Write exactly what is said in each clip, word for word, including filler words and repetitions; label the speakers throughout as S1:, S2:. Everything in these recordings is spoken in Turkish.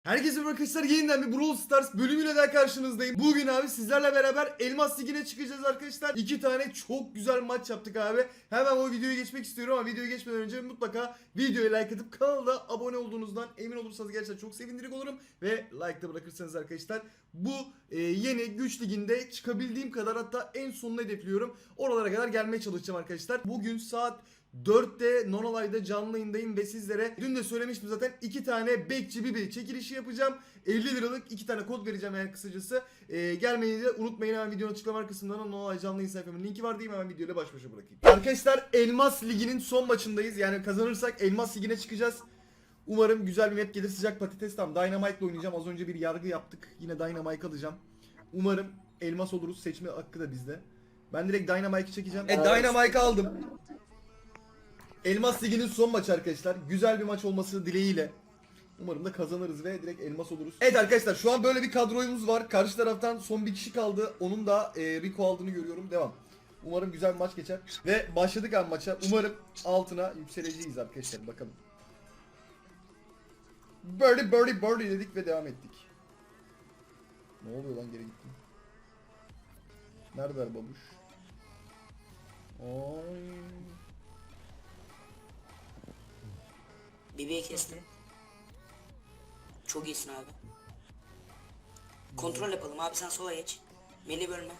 S1: Herkese merhaba arkadaşlar, yeniden bir Brawl Stars bölümüyle daha karşınızdayım. Bugün abi sizlerle beraber Elmas Ligi'ne çıkacağız arkadaşlar. İki tane çok güzel maç yaptık abi. Hemen o videoya geçmek istiyorum ama videoya geçmeden önce mutlaka videoya like atıp kanala abone olduğunuzdan emin olursanız gerçekten çok sevindirici olurum. Ve like da bırakırsanız arkadaşlar bu e, yeni güç liginde çıkabildiğim kadar, hatta en sonunu hedefliyorum. Oralara kadar gelmeye çalışacağım arkadaşlar. Bugün saat dörtte Nonolay'da canlı yayındayım ve sizlere dün de söylemiştim zaten, iki tane bekçi bir çekilişi yapacağım. elli liralık iki tane kod vereceğim yani kısacası. Ee, gelmeyi de unutmayın, hemen videonun açıklama kısmından Nonolay canlı yayın sayfamın linki var diyeyim, hemen videoyla baş başa bırakayım. Arkadaşlar, Elmas Ligi'nin son maçındayız. Yani kazanırsak Elmas Ligi'ne çıkacağız. Umarım güzel bir map gelir. Sıcak patates. Tam Dynamite'la oynayacağım. Az önce bir yargı yaptık. Yine Dynamite alacağım. Umarım elmas oluruz. Seçme hakkı da bizde. Ben direkt Dynamite'ı çekeceğim. E Dynamite aldım. Elmas Ligi'nin son maçı arkadaşlar. Güzel bir maç olması dileğiyle. Umarım da kazanırız ve direkt elmas oluruz. Evet arkadaşlar, şu an böyle bir kadroyumuz var. Karşı taraftan son bir kişi kaldı. Onun da e, Rico aldığını görüyorum. Devam. Umarım güzel bir maç geçer. Ve başladık abi maça. Umarım altına yükseleceğiz arkadaşlar. Bakalım. Birdie birdie birdie dedik ve devam ettik. Ne oluyor lan, geri gittim. Neredeler babuş? Oy.
S2: Bebeği kestim. Çok iyisin abi. Kontrol yapalım abi, sen sola geç. Meli bölme.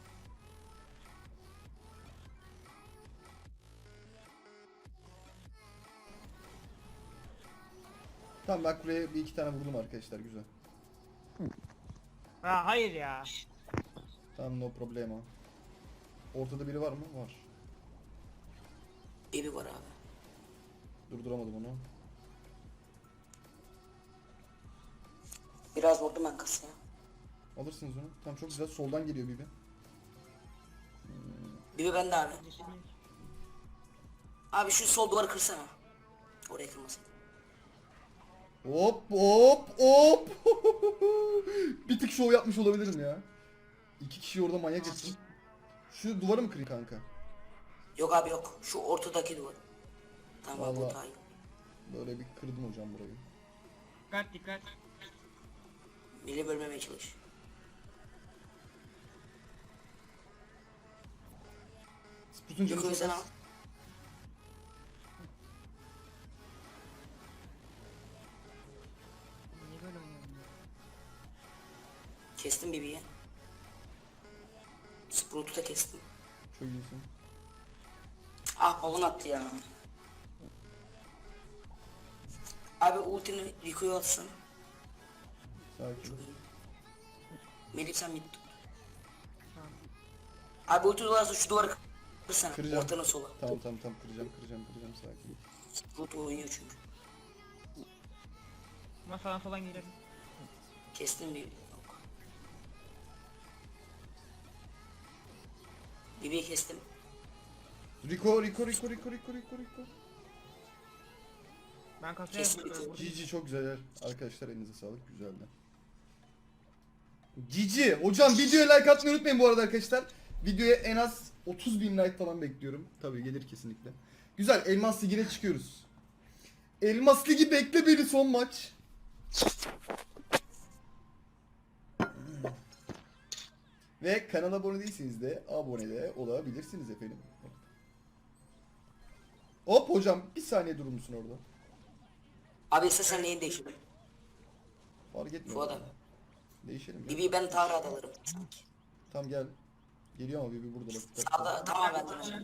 S1: Tamam, bak buraya bir iki tane vurdum arkadaşlar, güzel.
S3: Ha hayır ya.
S1: Tamam, no problema. Ortada biri var mı? Var.
S2: Bebi var abi.
S1: Durduramadım onu.
S2: Biraz vurdum ben kasaya.
S1: Alırsınız onu. Tamam, çok güzel. Soldan geliyor Bibi.
S2: Bebi bende abi. Abi şu sol duvarı kırsana. Oraya kırmasın.
S1: Hop hop hop. Bir tık şov yapmış olabilirim ya. İki kişi orada manyak etsin. Şu duvarı mı kırayım kanka?
S2: Yok abi yok. Şu ortadaki duvar. Tamam abi,
S1: Vallahi.
S2: bu daha iyi.
S1: Böyle bir kırdım hocam burayı.
S3: Dikkat dikkat.
S2: Meli bölmemeye çalış.
S1: Sputun canı
S2: Yukarı
S1: çok
S2: sen al.
S1: az.
S3: Niye böyle oynuyorum ya?
S2: Kestim bebeği. Sprout'u da kestim.
S1: Çok iyisin.
S2: Ah, balon attı ya. Abi ultini Rico'ya atsın.
S1: Sakin.
S2: Melih sen mid tut.
S3: Tamam.
S2: Abi ulti dolarsa şu duvarı kırsana.
S1: Kıracağım.
S2: Ortanın sola.
S1: Tamam tamam tamam, kıracağım kıracağım kıracağım, sakin.
S2: Sprout oynuyor çünkü.
S3: Ama sağdan soldan girelim.
S2: Kestim bir. Yok. Bebeği kestim.
S1: Rico Rico Rico Rico Rico Rico Rico.
S3: Ben kasaya
S2: Kesinlikle.
S3: vurdum.
S1: G G, çok güzel arkadaşlar, elinize sağlık, güzeldi. G G hocam, videoya like atmayı unutmayın bu arada arkadaşlar. Videoya en az otuz bin like falan bekliyorum. Tabii gelir kesinlikle. Güzel, Elmas Ligi'ne çıkıyoruz. Elmas Ligi bekle beni, son maç. Ve kanala abone değilseniz de abone de olabilirsiniz efendim. Hop hocam, bir saniye durur musun orada?
S2: Abi ise sen neyin değiştirdin?
S1: Fark etmiyor.
S2: Fuat abi.
S1: Değişelim ya.
S2: Bebeği ben Tara'da alırım.
S1: Tamam gel. Geliyor ama Bibi burada bak.
S2: Sağda tamam ben de.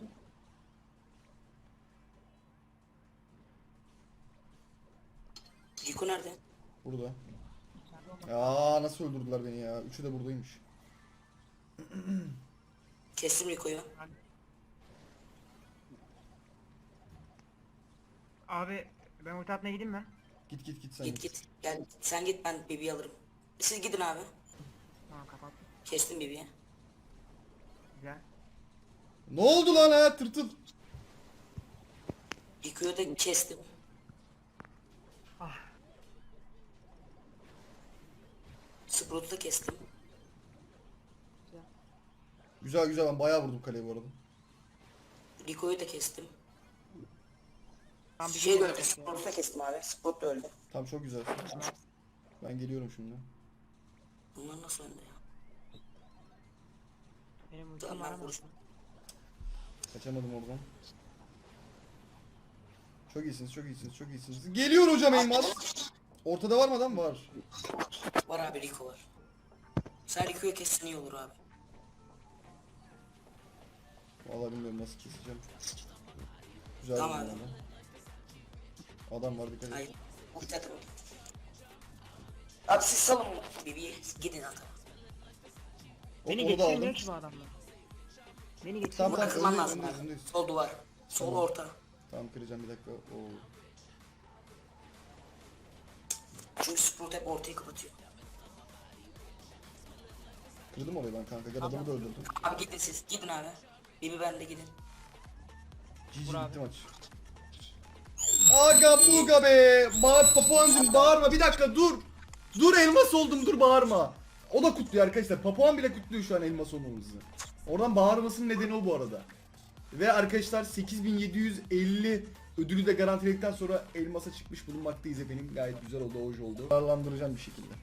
S2: Rico nerede?
S1: Burada. Aa, nasıl öldürdüler beni ya? Üçü de buradaymış.
S2: Kestim Rico'yu.
S3: Abi ben ulti atmaya gideyim mi?
S1: Git git git sen
S2: Git git. Gel sen git, ben bebeği alırım. Siz gidin abi.
S3: Tamam kapattım.
S2: Kestim bebeği.
S3: Güzel.
S1: Ne oldu lan ha, tırtıl?
S2: Rico'yu da kestim.
S3: Ah.
S2: Sprout'u da kestim.
S1: Güzel güzel, ben bayağı vurdum kaleye bu arada.
S2: Rico'yu da kestim.
S3: Tam bir
S2: Şey de
S3: şey
S2: öldü. Sprout'u da kestim abi. Sprout da öldü.
S1: Tamam, çok güzel. Ben geliyorum şimdi.
S2: Bunlar nasıl önde ya?
S3: Benim ultim
S2: Tamam,
S3: var
S2: ben
S3: ama.
S2: vuracağım.
S1: Kaçamadım oradan. Çok iyisiniz, çok iyisiniz, çok iyisiniz. Geliyor hocam Elmas. Ortada var mı adam? Var.
S2: Var abi, Rico var. Sen Rico'yu kessin iyi olur abi.
S1: Vallahi bilmiyorum nasıl keseceğim. Güzel
S2: Tamam.
S1: bir adam. Adam var, dikkat et.
S2: Hayır. Ulti atın. Abi siz salın Bibi'yi. Gidin atın.
S1: Hop,
S3: Beni
S1: onu da
S3: geçirmiyor
S1: aldım.
S3: ki bu adamlar. Beni geçirmiyor.
S1: Tamam,
S2: Burada
S1: tamam,
S2: kırman
S1: öndeyiz,
S2: lazım
S1: öndeyiz,
S2: abi.
S1: öndeyiz.
S2: Sol duvar. Sol
S1: Tamam.
S2: orta.
S1: Tamam, kıracağım bir dakika. Oo.
S2: Çünkü Sprout hep ortayı kapatıyor.
S1: Kırdım orayı ben kanka. Gel adamı da öldürdüm.
S2: Abi gidin siz. Gidin abi. Bibi bende gidin.
S1: Cici
S3: Vur abi.
S1: bitti maç. Aga buga be. Bağır Papuancım, bağırma. Bir dakika dur. Dur, elmas oldum, dur bağırma. O da kutluyor arkadaşlar. Papuan bile kutluyor şu an elmas olmamızı. Oradan bağırmasının nedeni o bu arada. Ve arkadaşlar sekiz bin yedi yüz elli ödülü de garantiledikten sonra elmasa çıkmış bulunmaktayız efendim. Gayet güzel oldu, hoş oldu. Ağırlandıracağım bir şekilde.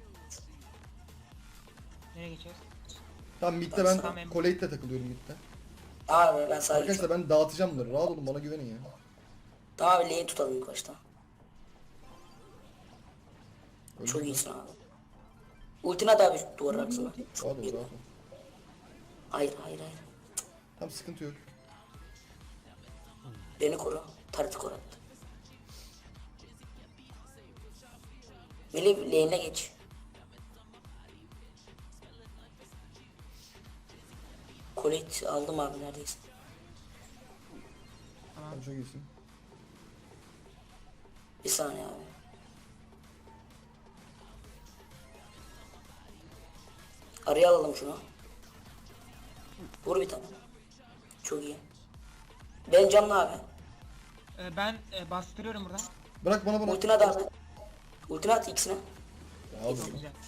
S3: Nereye geçiyoruz?
S1: Tamam, midde ben
S3: Tamam.
S1: Collate'le takılıyorum midde.
S2: Abi ben sadece...
S1: Arkadaşlar ben dağıtacağım bunları. Rahat olun, bana güvenin ya.
S2: Tamam abi, lane tutalım ilk başta.
S1: Öyle
S2: Çok
S1: mi?
S2: iyisin abi. Ultini at abi duvar arkasına.
S1: Rahat ol, rahat ol.
S2: Hayır hayır hayır.
S1: Tamam, sıkıntı yok.
S2: Beni koru. Tarıtı koru attı. Melih lane'e geç. Colette aldım abi neredeyse.
S1: Tamam, çok iyisin.
S2: Bir saniye abi. Araya alalım şunu. Vur bir tane. Çok iyi. Ben canlı abi.
S3: Ee, ben e, bastırıyorum buradan.
S1: Bırak bana bana.
S2: Ultine at abi. Ultine at ikisine.
S1: Ya, al bunu.
S3: Güzel.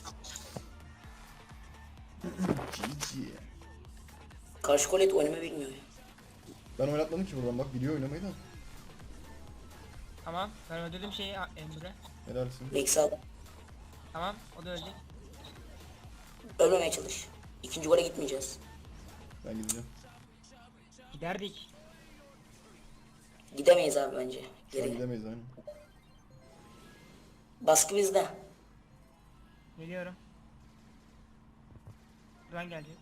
S1: Cici.
S2: Karşı Colette oynamayı bilmiyor ya.
S1: Ben oynatmadım ki buradan, bak biliyor oynamayı da.
S3: Tamam. Ben öldürdüm şeyi a- Emre.
S1: Helalsin.
S2: Max'i al.
S3: Tamam. O da ölecek.
S2: Ölmemeye çalış. İkinci gole gitmeyeceğiz.
S1: Ben gideceğim.
S3: Giderdik.
S2: Gidemeyiz abi bence.
S1: Şu an
S2: Geri.
S1: gidemeyiz aynen.
S2: Baskı bizde.
S3: Geliyorum. Güven gelecek.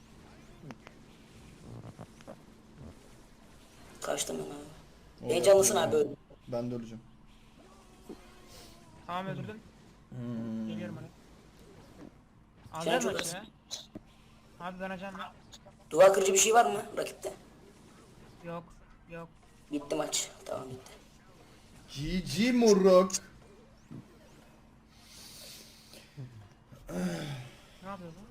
S2: Kaçtım ben abi.
S1: Oo,
S2: Heyecanlısın abi öyle.
S1: Ben de öleceğim.
S3: Tamam öldürdüm.
S1: Hmm.
S3: Geliyorum oraya.
S2: Sen
S3: Alacağız
S2: çok
S3: maçı
S2: az.
S3: ya. Abi danacağım ya.
S2: Duvar kırıcı bir şey var mı rakipte?
S3: Yok. Yok.
S2: Bitti maç. Tamam bitti.
S1: Cici moruk.
S3: Ne yapıyor bu?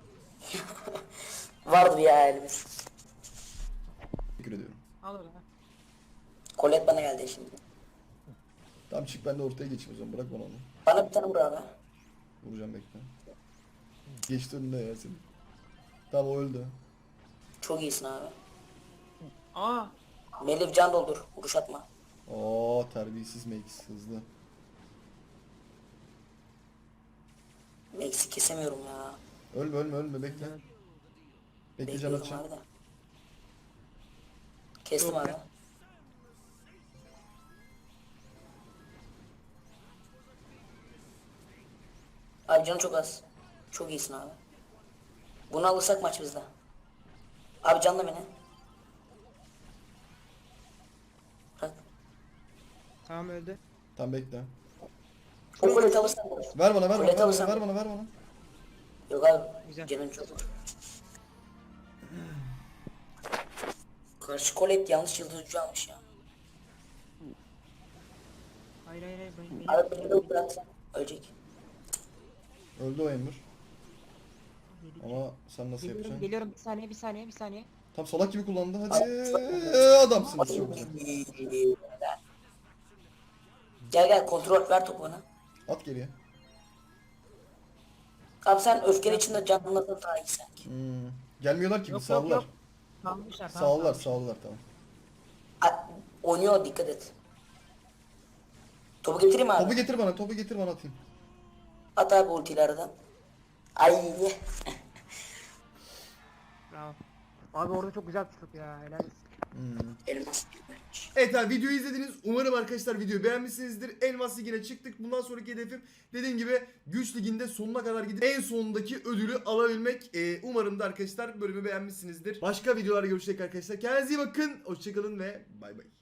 S2: Vardır ya elimiz.
S1: Teşekkür ediyorum.
S3: Al orada.
S2: Colette bana geldi şimdi.
S1: Tamam, çık ben de ortaya geçeyim o zaman, bırak bana onu.
S2: Bana bir tane vur abi.
S1: Vuracağım, bekle. Geçti önüne ya senin. Tamam, o öldü.
S2: Çok iyisin abi.
S3: Aa.
S2: Melih can doldur. Vuruş atma.
S1: Oo, terbiyesiz Max, hızlı.
S2: Max'i kesemiyorum ya.
S1: Ölme ölme ölme, bekle. Bekle, can
S2: Bekliyorum
S1: atacağım.
S2: abi de. Kestim
S3: Yok
S2: abi.
S3: ya.
S2: Abi canı çok az. Çok iyisin abi. Bunu alırsak maç bizde. Abi canla beni. Bırak.
S3: Tamam öldü.
S1: Tamam, bekle.
S2: O Colette alırsan.
S1: Ver bana, ver bana,
S2: Colette
S1: ver bana,
S2: alırsan.
S1: ver bana, ver bana.
S2: Yok abi.
S3: Güzel.
S2: Canın çok var. Karşı Colette yanlış yıldız ucu almış ya.
S3: Hayır hayır hayır. Ben, ben,
S2: Abi beni de bırak. Ölecek.
S1: Öldü o Emir. Ama sen nasıl
S3: Geliyorum,
S1: yapacaksın?
S3: geliyorum. Bir saniye, bir saniye, bir saniye.
S1: Tam salak gibi kullandı, hadi. Ee, adamsınız, çok güzel.
S2: Gel gel kontrol ver topu bana.
S1: At geriye.
S2: Abi sen öfkenin içinde canlanırdın daha iyi sanki.
S1: Hmm. Gelmiyorlar ki,
S3: Yok,
S1: bir
S3: yok,
S1: sağlılar.
S3: yok. Salmışlar, tamam.
S1: Sağlılar,
S3: salmışlar.
S1: sağlılar, tamam.
S2: A- Oynuyor dikkat et. Topu getireyim abi.
S1: Topu getir bana, topu getir bana, atayım.
S2: At abi ultilerden. Ay.
S3: Bravo. Abi orada çok güzel tuttuk ya. Helal olsun.
S2: Elmas bir maç.
S1: Evet abi videoyu izlediniz. Umarım arkadaşlar videoyu beğenmişsinizdir. Elmas Ligi'ne çıktık. Bundan sonraki hedefim dediğim gibi Güç Ligi'nde sonuna kadar gidip en sonundaki ödülü alabilmek. Ee, umarım da arkadaşlar bölümü beğenmişsinizdir. Başka videolarda görüşecek arkadaşlar. Kendinize iyi bakın. Hoşçakalın ve bay bay.